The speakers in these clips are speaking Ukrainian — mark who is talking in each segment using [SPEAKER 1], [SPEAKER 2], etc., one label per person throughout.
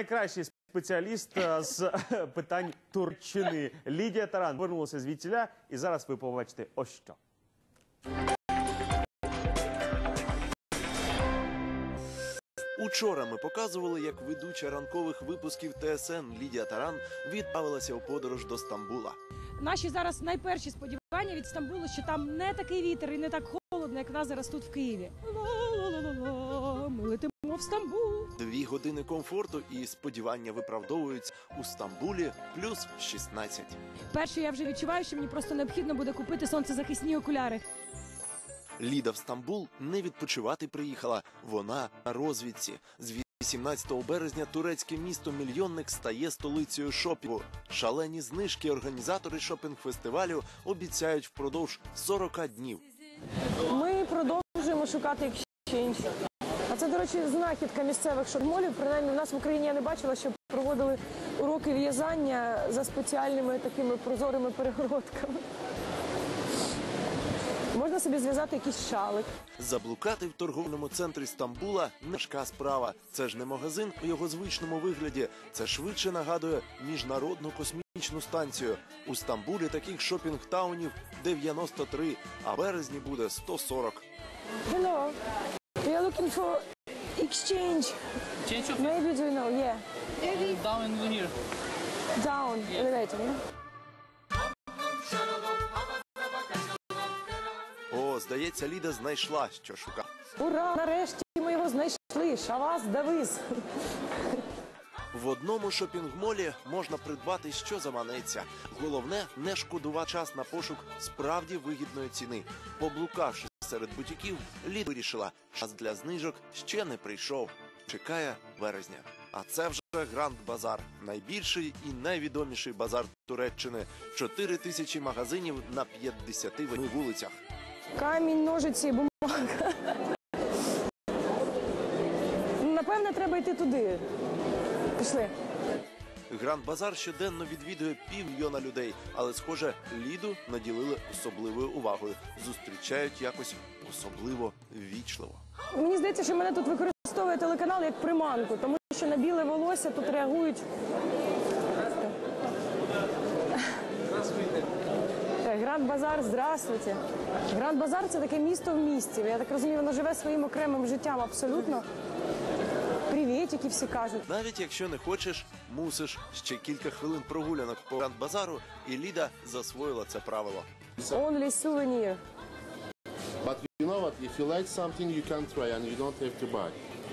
[SPEAKER 1] найкращий спеціаліст з питань Турччини. Лідія Таран повернулася звідтіля, і зараз ви побачите ось що.
[SPEAKER 2] Учора ми показували, як ведуча ранкових випусків ТСН Лідія Таран відправилася у подорож до Стамбула.
[SPEAKER 3] Наші зараз найперші сподівання від Стамбулу, що там не такий вітер і не так холодно, як в нас зараз тут в Києві. Ла-ла-ла-ла-ла, ми летимо в Стамбул.
[SPEAKER 2] 2 години комфорту і сподівання виправдовуються. У Стамбулі плюс 16.
[SPEAKER 3] Перше, я вже відчуваю, що мені просто необхідно буде купити сонцезахисні окуляри.
[SPEAKER 2] Ліда в Стамбул не відпочивати приїхала. Вона на розвідці. З 18 березня турецьке місто-мільйонник стає столицею шопінгу. Шалені знижки організатори шопінг-фестивалю обіцяють впродовж 40 днів.
[SPEAKER 4] Ми продовжуємо шукати екшенж. А це, до речі, знахідка місцевих шопмолів. Принаймні, в нас в Україні я не бачила, що проводили уроки в'язання за спеціальними такими прозорими перегородками. Можна собі зв'язати якийсь шалик.
[SPEAKER 2] Заблукати в торговельному центрі Стамбула – не важка справа. Це ж не магазин у його звичному вигляді. Це швидше нагадує міжнародну космічну станцію. У Стамбулі таких шопінг-таунів 93, а в березні буде 140.
[SPEAKER 4] Hello. We are looking for exchange. Maybe do you know? Yeah.
[SPEAKER 5] Down in here.
[SPEAKER 4] Down. Elevator, yeah?
[SPEAKER 2] О, здається, Ліда знайшла, що шукала.
[SPEAKER 4] Ура! Нарешті ми його знайшли. Шавас Давис.
[SPEAKER 2] В одному шопінг-молі можна придбати, що заманеться. Головне – не шкодувати час на пошук справді вигідної ціни. Поблукавши серед бутіків, Ліда вирішила, час для знижок ще не прийшов. Чекає березня. А це вже Гранд Базар. Найбільший і найвідоміший базар Туреччини. 4000 магазинів на 58 вулицях.
[SPEAKER 4] Камінь, ножиці, бумага. Напевне, треба йти туди. Пішли.
[SPEAKER 2] Гранд Базар щоденно відвідує 500 000 людей. Але, схоже, Ліду наділили особливою увагою. Зустрічають якось особливо ввічливо.
[SPEAKER 4] Мені здається, що мене тут використовує телеканал як приманку, тому що на біле волосся тут реагують. Гранд Базар, здравствуйте. Гранд Базар – це таке місто в місті. Я так розумію, воно живе своїм окремим життям абсолютно. Привітики всі кажуть.
[SPEAKER 2] Навіть якщо не хочеш, мусиш. Ще кілька хвилин прогулянок по Гранд Базару, і Ліда засвоїла це правило.
[SPEAKER 4] Only souvenir.
[SPEAKER 6] But you know what? If you like something, you can try and you don't have to buy.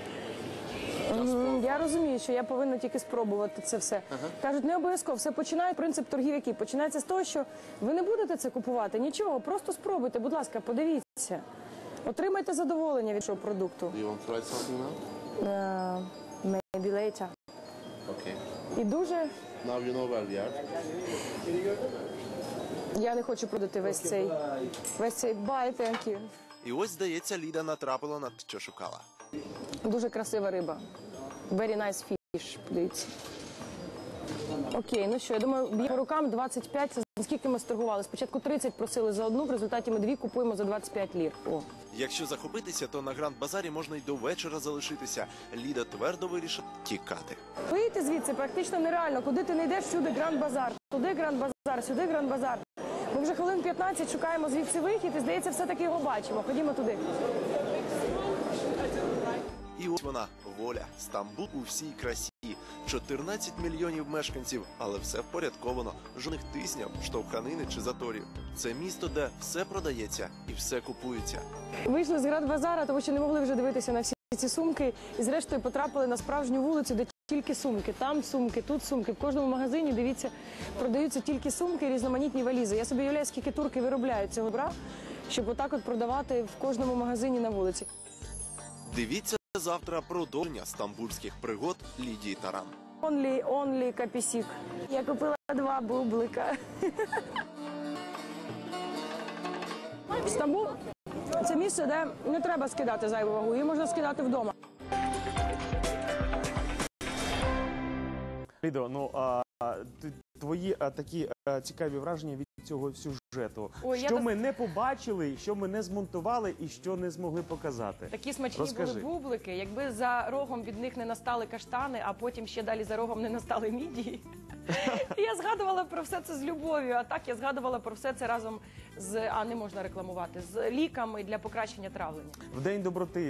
[SPEAKER 4] Я розумію, що я повинна тільки спробувати це все. Кажуть, не обов'язково. Все починає, принцип торгів який? Починається з того, що ви не будете це купувати, нічого, просто спробуйте, будь ласка, подивіться. Отримайте задоволення від цього продукту.
[SPEAKER 6] Do you want to try something now?
[SPEAKER 4] Maybe later.
[SPEAKER 6] Okay.
[SPEAKER 4] І дуже...
[SPEAKER 6] Now you know where we are.
[SPEAKER 4] Я не хочу продати весь цей bye, thank you.
[SPEAKER 2] І ось, здається, Ліда натрапила на те, що шукала.
[SPEAKER 4] Дуже красива риба. Very nice fish, подивіться. Окей, ну що, я думаю, б'є по рукам 25, це скільки ми сторгували. Спочатку 30 просили за одну, в результаті ми 2 купуємо за 25 лір. О.
[SPEAKER 2] Якщо захопитися, то на Гранд Базарі можна й до вечора залишитися. Ліда твердо вирішила тікати.
[SPEAKER 4] Вийти звідси практично нереально. Куди ти не йдеш, всюди Гранд Базар. Туди Гранд Базар, сюди Гранд Базар. Ми вже хвилин 15 шукаємо звідси вихід і, здається, все-таки його бачимо. Ходімо туди.
[SPEAKER 2] І ось вона, воля. Стамбул у всій красі. 14 мільйонів мешканців, але все впорядковано. Жодних тисняв, штовханини чи заторів. Це місто, де все продається і все купується.
[SPEAKER 4] Вийшли з Гранд Базара, тому що не могли вже дивитися на всі ці сумки. І зрештою потрапили на справжню вулицю, де тільки сумки. Там сумки, тут сумки. В кожному магазині, дивіться, продаються тільки сумки і різноманітні валізи. Я собі уявляю, скільки турки виробляють цього добра, щоб отак от продавати в кожному магазині на вулиці.
[SPEAKER 2] Дивіться завтра продовження стамбульських пригод Лідії Таран.
[SPEAKER 4] Only капісік. Я купила 2 бублика. Стамбул – це місце, де не треба скидати зайву вагу, її можна скидати вдома.
[SPEAKER 1] Лідо, ну, твої такі цікаві враження від цього сюжету.
[SPEAKER 4] Ой, я
[SPEAKER 1] Що
[SPEAKER 4] вас-
[SPEAKER 1] ми не побачили, що ми не змонтували і що не змогли показати?
[SPEAKER 4] Такі смачні
[SPEAKER 1] Розкажи.
[SPEAKER 4] були бублики. Якби за рогом від них не настали каштани, а потім ще далі за рогом не настали мідії. Я згадувала про все це з любов'ю, а так я згадувала про все це разом з, не можна рекламувати, з ліками для покращення травлення.
[SPEAKER 1] В День доброти